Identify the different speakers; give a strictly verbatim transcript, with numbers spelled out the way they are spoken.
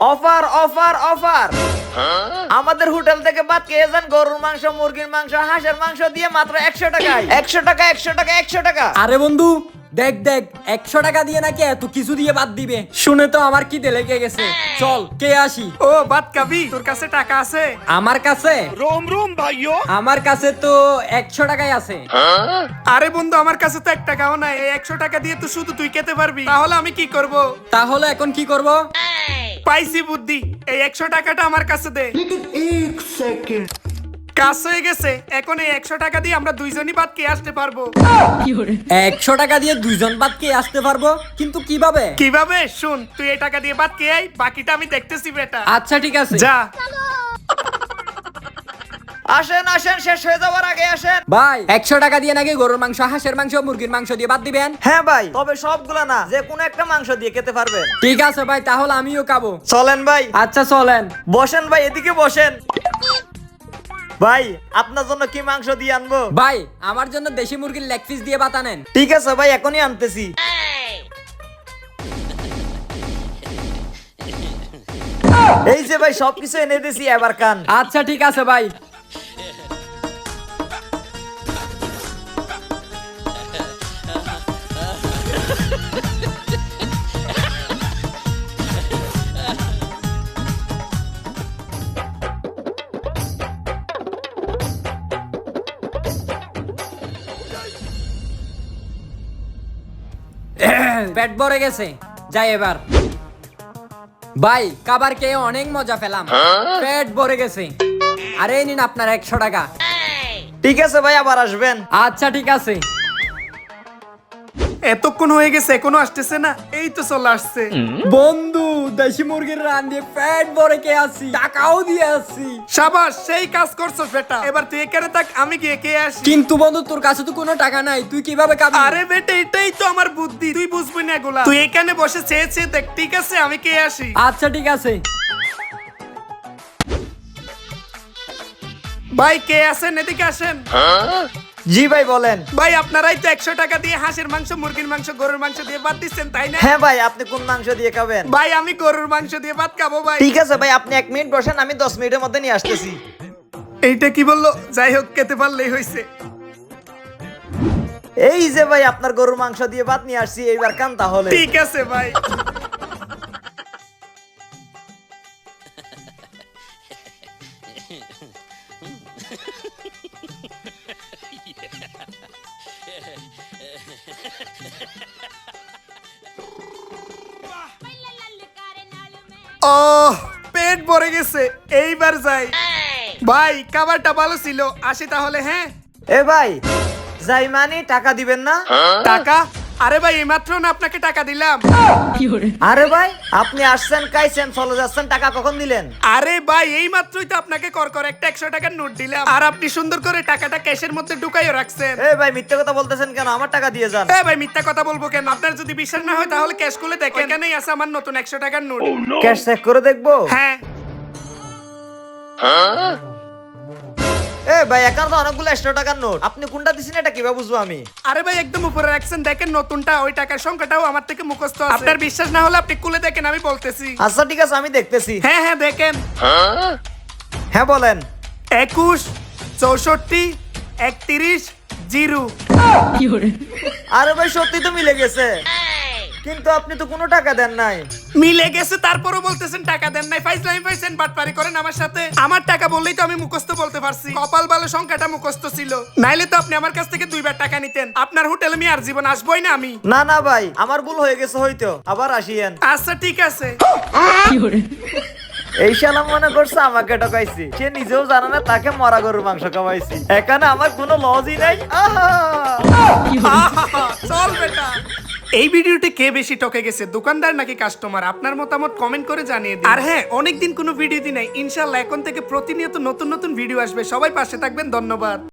Speaker 1: Offer offer offer, আমাদের hotel থেকে বাদ খেয়ে যান গরুর মাংস, মুরগির মাংস, হাঁসের মাংস দিয়ে মাত্র একশো টাকায়। একশো টাকা একশো টাকা একশো টাকা।
Speaker 2: আরে বন্ধু দেখ দেখ, একশো টাকা দিয়ে নাকি এত কিছু দিয়ে বাদ দিবে, শুনে তো আমার কি লেগে গেছে। চল কে আসি।
Speaker 3: ও বাদ খাবি? তোর কাছে টাকা আছে?
Speaker 2: আমার কাছে
Speaker 4: रोम रोम भाइयों।
Speaker 2: আমার কাছে তো একশো টাকাই আছে।
Speaker 3: আরে বন্ধু, আমার কাছে তো এক টাকাও নাই। এই একশো টাকা দিয়ে তো শুধু তুই খেতে পারবি, তাহলে আমি কি করব?
Speaker 2: তাহলে এখন কি করব?
Speaker 3: পাইছি বুদ্ধি, এই একশো টাকাটা আমার কাছে দে। কাজ হয়ে গেছে, এখন এই একশো টাকা দিয়ে আমরা দুইজনই বাদ খেয়ে আসতে পারবো।
Speaker 2: একশো টাকা দিয়ে দুইজন বাদ কে আসতে পারবো, কিন্তু কিভাবে?
Speaker 3: কিভাবে? শুন, তুই এই টাকা দিয়ে বাদ খেয়ে আই, বাকিটা আমি দেখতেছি বেটা।
Speaker 2: আচ্ছা ঠিক আছে,
Speaker 3: যা।
Speaker 1: আসেন আসেন, শেষ হয়ে যাওয়ার আগে আসেন।
Speaker 2: ভাই একশো টাকা দিয়ে নাকি গরুর মাংস, হাঁসের মাংস, মুরগির মাংস দিয়ে বাদ দিবেন?
Speaker 1: হ্যাঁ ভাই, তবে সবগুলা না, যে কোনো একটা মাংস দিয়ে খেতে পারবেন।
Speaker 2: ঠিক আছে ভাই, তাহলে আমিও খাবো।
Speaker 1: চলেন ভাই।
Speaker 2: আচ্ছা চলেন।
Speaker 1: বসেন ভাই, এদিকে বসেন। ভাই আপনার জন্য কি মাংস দিয়ে আনবো?
Speaker 2: ভাই আমার জন্য দেশি মুরগির লেগ পিস দিয়ে বাত আনেন।
Speaker 1: ঠিক আছে ভাই, এখনই আনতেছি। এই যে ভাই, সবকিছু এনে দিছি, এবার কান।
Speaker 2: আচ্ছা ঠিক আছে ভাই। পেট ভরে গেছে, যাই এবার। ভাই খাবার খেয়ে অনেক মজা পেলাম, পেট ভরে গেছে। আরে নিন আপনার একশো টাকা।
Speaker 1: ঠিক আছে ভাই, আবার আসবেন।
Speaker 2: আচ্ছা ঠিক আছে।
Speaker 3: এতক্ষণ হয়ে গেছে, এখনো আসতেছে না? এই তো চলে আসছে।
Speaker 2: বন্ধু দেশি মুরগির রান দিয়ে পেট ভরে কে আসি, টাকাও দিয়ে আসি।
Speaker 3: সাবাস, সেই কাজ করছস বেটা। এবার তুই এখানে থাক, আমি গিয়ে কে আসি।
Speaker 2: কিন্তু বন্ধু তোর কাছে তো কোনো টাকা নাই, তুই কিভাবে খাবি?
Speaker 3: আরে বেটা, এটাই তো আমার বুদ্ধি, তুই বুঝবি না এগুলা। তুই এখানে বসে চেয়ে চেয়ে দেখ। ঠিক আছে, আমি কে আসি।
Speaker 2: আচ্ছা ঠিক আছে।
Speaker 3: ভাই কে আছেন? এদিকে আসেন।
Speaker 1: জি ভাই বলেন।
Speaker 3: ভাই আপনারাই তো একশো টাকা দিয়ে হাঁসের মাংস, মুরগির মাংস, গরুর মাংস দিয়ে ভাত দিচ্ছেন, তাই না?
Speaker 1: হ্যাঁ ভাই, আপনি কোন মাংস দিয়ে খাবেন?
Speaker 3: ভাই আমি গরুর মাংস দিয়ে ভাত খাবো ভাই।
Speaker 1: ঠিক আছে ভাই, আপনি এক মিনিট বসেন, আমি দশ মিনিটের মধ্যে নিয়ে আসতেছি।
Speaker 3: এইটা কি বললো? যাই হোক, খেতে পারলেই হয়েছে।
Speaker 1: এই যে ভাই, আপনার গরুর মাংস দিয়ে ভাত নিয়ে আসছি, এইবার কান তাহলে।
Speaker 3: ঠিক আছে ভাই। ও পেট ভরে গেছে, এইবার যাই। ভাই খাবারটা ভালো ছিল, আসি তাহলে। হ্যাঁ
Speaker 1: এ ভাই, যাই মানে টাকা দিবেন না?
Speaker 3: টাকা? আরে ভাই এইমাত্র না আপনাকে টাকা দিলাম।
Speaker 1: আরে ভাই, আপনি আসছেন, খাইছেন, চলে যাচ্ছেন, টাকা কখন দিলেন?
Speaker 3: আরে ভাই এই মাত্রই তো আপনাকে কর করে একটা একশো টাকার নোট দিলাম, আর আপনি সুন্দর করে টাকাটা ক্যাশের মধ্যে ঢুকাইও রাখছেন।
Speaker 1: এ ভাই, মিথ্যে কথা বলতেছেন কেন? আমার টাকা দিয়ে যান।
Speaker 3: এ ভাই মিথ্যা কথা বলবো কেন? আপনার যদি বিশ্বাস না হয় তাহলে ক্যাশ খুলে দেখেন, এখানেই আছে আমার নতুন একশো টাকার নোট।
Speaker 1: ক্যাশ চেক করে দেখবো?
Speaker 3: হ্যাঁ।
Speaker 1: এ ভাই, এখানে তো অনেকগুলো একশো টাকার নোট, আপনি কোনটা দিছেন এটা কিভাবে বুঝবো আমি?
Speaker 3: আরে ভাই একদম উপরে রাখছেন, দেখেন নতুনটা, ওই টাকার সংখ্যাটাও আমার থেকে মুখস্থ আছে। আপনার বিশ্বাস না হলে আপনি খুলে দেখেন, আমি বলতেছি।
Speaker 1: আচ্ছা ঠিক আছে, আমি দেখতেছি।
Speaker 3: হ্যাঁ হ্যাঁ দেখেন।
Speaker 1: হ্যাঁ বলেন।
Speaker 3: একুশ, চৌষট্টি, একত্রিশ, জিরো।
Speaker 1: আরে ভাই, সত্যি তো মিলে গেছে, কিন্তু আপনি তো কোনো টাকা দেন নাই।
Speaker 3: মিলে গেছে তারপরও বলতেছেন টাকা দেন নাই? ফাইজলামি পাইছেন, বাটপারি করেন আমার সাথে। আমার টাকা বললেই তো আমি মুখস্থ বলতে পারছি। কপাল ভালো সংখ্যাটা মুখস্থ ছিল, নাইলে তো আপনি আমার কাছ থেকে দুইবার টাকা নিতেন। আপনার হোটেলে আমি আর জীবন আসবই না আমি।
Speaker 1: না না ভাই, আমার ভুল হয়ে গেছে হয়তো, আবার আসিয়েন।
Speaker 3: আচ্ছা ঠিক আছে।
Speaker 1: এই শালা মনে করছে আমাকে ঠকাইছি, সে নিজেও জানে না তাকে মরা গরুর মাংস খাওয়াইছি। এখানে আমার কোনো লজই নাই। আহা!
Speaker 3: আহা, চল বেটা। এই ভিডিওতে কে বেশি টকে গেছে, দোকানদার নাকি কাস্টমার? আপনার মতামত কমেন্ট করে জানিয়ে দিন। আর হ্যাঁ, অনেকদিন কোনো ভিডিও দিই নাই, ইনশাআল্লাহ এখন থেকে প্রতিনিয়ত নতুন নতুন ভিডিও আসবে। সবাই পাশে থাকবেন, ধন্যবাদ।